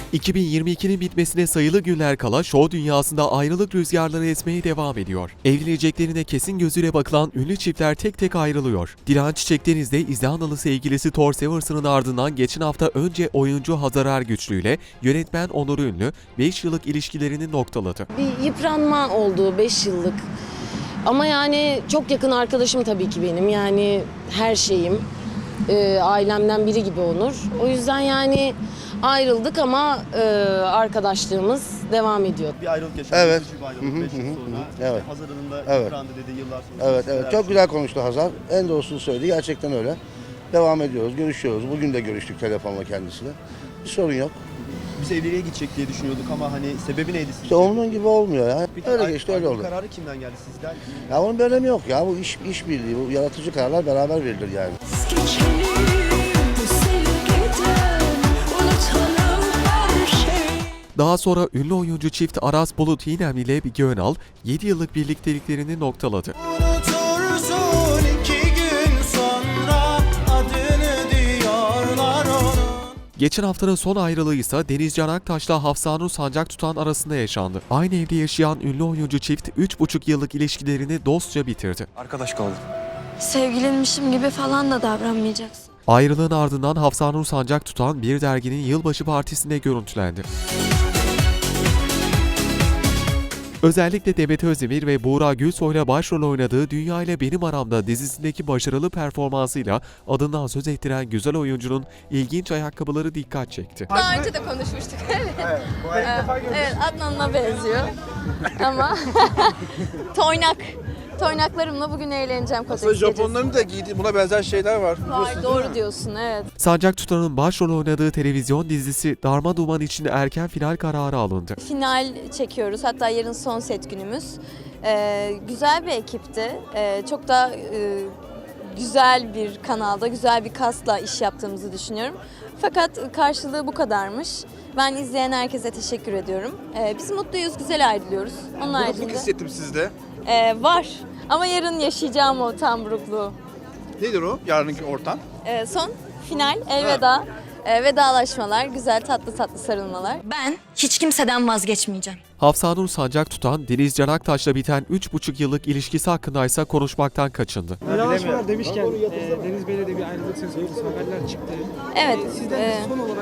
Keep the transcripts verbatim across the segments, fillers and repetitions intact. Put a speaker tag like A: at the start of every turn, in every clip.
A: iki bin yirmi ikinin bitmesine sayılı günler kala şov dünyasında ayrılık rüzgarları esmeye devam ediyor. Evleneceklerine kesin gözüyle bakılan ünlü çiftler tek tek ayrılıyor. Dilan Çiçekdeniz de İzlandalı sevgilisi Thor Severson'ın ardından geçen hafta önce oyuncu Hazar Ergüçlü ile yönetmen Onur Ünlü beş yıllık ilişkilerini noktaladı.
B: Bir yıpranma oldu beş yıllık. Ama yani çok yakın arkadaşım tabii ki benim. Yani her şeyim. Ee, ailemden biri gibi Onur. O yüzden yani ayrıldık ama e, arkadaşlığımız devam ediyor.
C: Bir ayrılık yaşadık.
D: Evet.
C: Bir ayrılık beş yıl sonra.
D: Evet.
C: Hazar'ın da
D: Evet.
C: yıprandı dedi yıllar sonra.
D: Evet, evet. Çok güzel konuştu Hazar. En doğrusunu söyledi. Gerçekten öyle. Devam ediyoruz, görüşüyoruz. Bugün de görüştük telefonla kendisiyle. Bir sorun yok.
C: Biz evliliğe gidecek diye düşünüyorduk ama hani sebebi neydi sizce?
D: İşte onun gibi olmuyor ya.
C: Peki,
D: Öyle
C: ay-
D: geçti, öyle
C: ayrılık
D: oldu.
C: kararı kimden geldi sizden?
D: Ya onun bir önemi yok ya. Bu iş, iş birliği, bu yaratıcı kararlar beraber verilir yani.
A: Daha sonra ünlü oyuncu çift Aras Bulut İynemli ile Bilge Önal yedi yıllık birlikteliklerini noktaladı.
E: Unutursun iki gün sonra adını diyorlar onun.
A: Geçen haftanın son ayrılığı ise Deniz Can Aktaş'la Hafsanur Sancak Tutan arasında yaşandı. Aynı evde yaşayan ünlü oyuncu çift üç buçuk yıllık ilişkilerini dostça bitirdi.
F: Arkadaş kaldık.
G: Sevgilinmişim gibi falan da davranmayacaksın.
A: Ayrılığın ardından Hafsanur Sancak Tutan bir derginin yılbaşı partisinde görüntülendi. Özellikle Demet Özdemir ve Buğra Gülsoy'la başrol oynadığı Dünya ile Benim Aramda dizisindeki başarılı performansıyla adından söz ettiren güzel oyuncunun ilginç ayakkabıları dikkat çekti.
H: Daha önce de konuşmuştuk. Evet. Evet, Adnan'la benziyor. Ama toynak. Toynaklarımla bugün eğleneceğim Kotex
F: Aslında
H: gecesi.
F: Japonların da giydiği buna benzer şeyler var.
H: Var, doğru diyorsun, evet.
A: Sancak Tutan'ın başrol oynadığı televizyon dizisi Darma Duman için erken final kararı alındı.
H: Final çekiyoruz. Hatta yarın son set günümüz. Ee, güzel bir ekipti. Ee, çok da e, güzel bir kanalda, güzel bir kasla iş yaptığımızı düşünüyorum. Fakat karşılığı bu kadarmış. Ben izleyen herkese teşekkür ediyorum. Ee, biz mutluyuz, güzel ayrılıyoruz. Onun
F: Burukluk
H: haricinde
F: hissettim sizde.
H: Ee, var. Ama yarın yaşayacağım o tam burukluğu.
F: Nedir o yarınki ortam?
H: Ee, son final, elveda. Ee, vedalaşmalar, güzel tatlı tatlı sarılmalar.
G: Ben hiç kimseden vazgeçmeyeceğim.
A: Hafsanur Sancak Tutan, Deniz Can Aktaş'la biten üç buçuk yıllık ilişkisi hakkındaysa konuşmaktan kaçındı.
I: Vedalaşmalar demişken e, Deniz Bey'le de bir ayrılık söz konusu haberler çıktı.
H: Evet.
I: E, sizden
H: e,
I: son olarak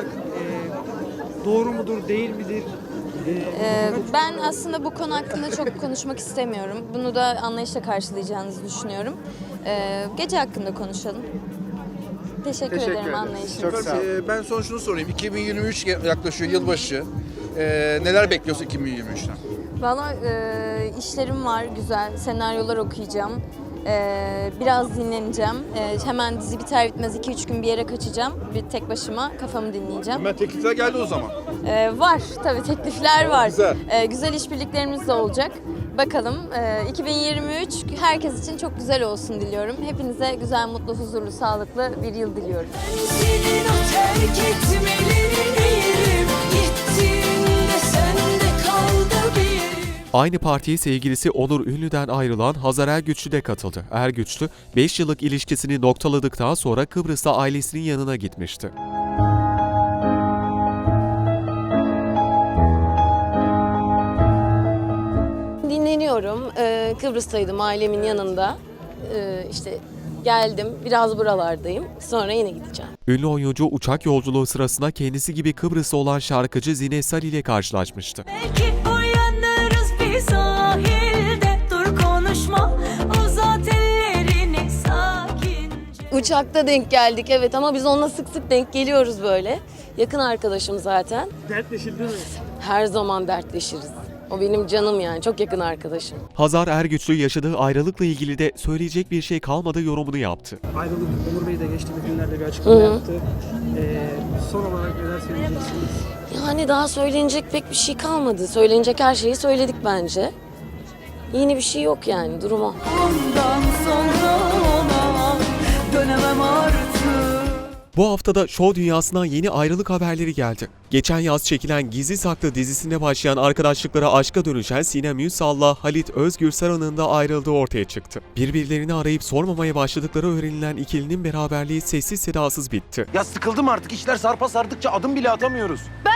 I: e, doğru mudur, değil midir? E,
H: e, ben aslında bu konu hakkında çok konuşmak istemiyorum. Bunu da anlayışla karşılayacağınızı düşünüyorum. E, gece hakkında konuşalım. Teşekkür, ederim anlayışınız için.
F: Ee, ben son şunu sorayım. iki bin yirmi üç yaklaşıyor yılbaşı. Ee, neler bekliyorsun iki bin yirmi üçten?
H: Valla e, işlerim var güzel, senaryolar okuyacağım. E, biraz dinleneceğim. E, hemen dizi biter bitmez iki üç gün bir yere kaçacağım. Bir tek başıma kafamı dinleyeceğim.
F: Hemen teklifler geldi o zaman.
H: E, var tabii teklifler var.
F: Güzel.
H: E, güzel işbirliklerimiz de olacak. Bakalım e, iki bin yirmi üç herkes için çok güzel olsun diliyorum. Hepinize güzel, mutlu, huzurlu, sağlıklı bir yıl diliyorum.
E: Senin o terk etmelerini yerim. Gittiğinde sende kaldı bir yerim.
A: Aynı partiye sevgilisi Onur Ünlü'den ayrılan Hazar Ergüçlü de katıldı. Ergüçlü, beş yıllık ilişkisini noktaladıktan sonra Kıbrıs'ta ailesinin yanına gitmişti.
B: Dinleniyorum. Ee, Kıbrıs'taydım ailemin yanında. Ee, işte geldim. Biraz buralardayım. Sonra yine gideceğim.
A: Ünlü oyuncu uçak yolculuğu sırasında kendisi gibi Kıbrıs'ta olan şarkıcı Zine Salih ile karşılaşmıştı.
E: Belki uyanırız bir sahilde. Dur konuşma, uzat ellerini sakince.
B: Uçakta denk geldik evet ama biz onunla sık sık denk geliyoruz böyle. Yakın arkadaşım zaten.
I: dertleşildi mi?
B: Her zaman dertleşiriz. O benim canım yani. Çok yakın arkadaşım.
A: Hazar Ergüçlü yaşadığı ayrılıkla ilgili de söyleyecek bir şey kalmadı yorumunu yaptı.
I: Ayrılık, Onur Bey de geçtiğimiz günlerde bir açıklama
B: Hı hı.
I: yaptı. E, son olarak neler söyleyeceksiniz?
B: Yani daha söylenecek pek bir şey kalmadı. Söylenecek her şeyi söyledik bence. Yeni bir şey yok yani durum o.
E: Ondan sonra ona dönemem artık.
A: Bu haftada şov dünyasından yeni ayrılık haberleri geldi. Geçen yaz çekilen Gizli Saklı dizisinde başlayan arkadaşlıklara aşka dönüşen Sinem Ünsal'la Halit Özgürsaran'ın da ayrıldığı ortaya çıktı. Birbirlerini arayıp sormamaya başladıkları öğrenilen ikilinin beraberliği sessiz sedasız bitti.
J: Ya sıkıldım artık. İşler sarpa sardıkça adım bile atamıyoruz.
H: Ben sıkılmadım.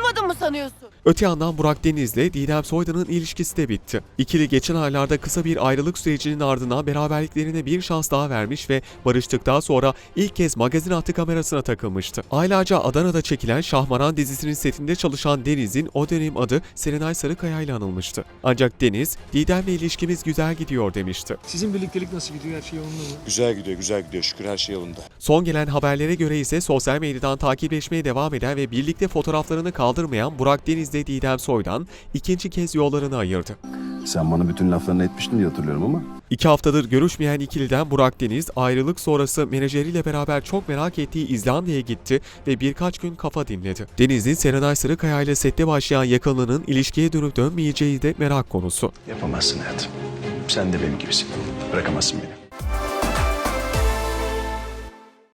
E: tanımadın mı sanıyorsun?
A: Öte yandan Burak Deniz'le Didem Soydan'ın ilişkisi de bitti. İkili geçen aylarda kısa bir ayrılık sürecinin ardından beraberliklerine bir şans daha vermiş ve barıştıktan sonra ilk kez magazin hattı kamerasına takılmıştı. Aylarca Adana'da çekilen Şahmaran dizisinin setinde çalışan Deniz'in o dönem adı Serenay Sarıkaya ile anılmıştı. Ancak Deniz, Didem'le ilişkimiz güzel gidiyor demişti.
I: Sizin birliktelik nasıl gidiyor? Her şey yolunda mı?
J: Güzel gidiyor, güzel gidiyor. Şükür her şey yolunda.
A: Son gelen haberlere göre ise sosyal medyadan takipleşmeye devam eden ve birlikte fotoğraflarını kaldırmayan Burak Deniz'le Didem Soydan ikinci kez yollarını ayırdı.
J: Sen bana bütün laflarını etmiştin diye hatırlıyorum ama.
A: İki haftadır görüşmeyen ikiliden Burak Deniz ayrılık sonrası menajeriyle beraber çok merak ettiği İzlanda'ya gitti ve birkaç gün kafa dinledi. Deniz'in Serenay Sarıkaya ile sette başlayan yakınlığının ilişkiye dönüp dönmeyeceği de merak konusu.
J: Yapamazsın hayatım. Sen de benim gibisin. Bırakamazsın beni.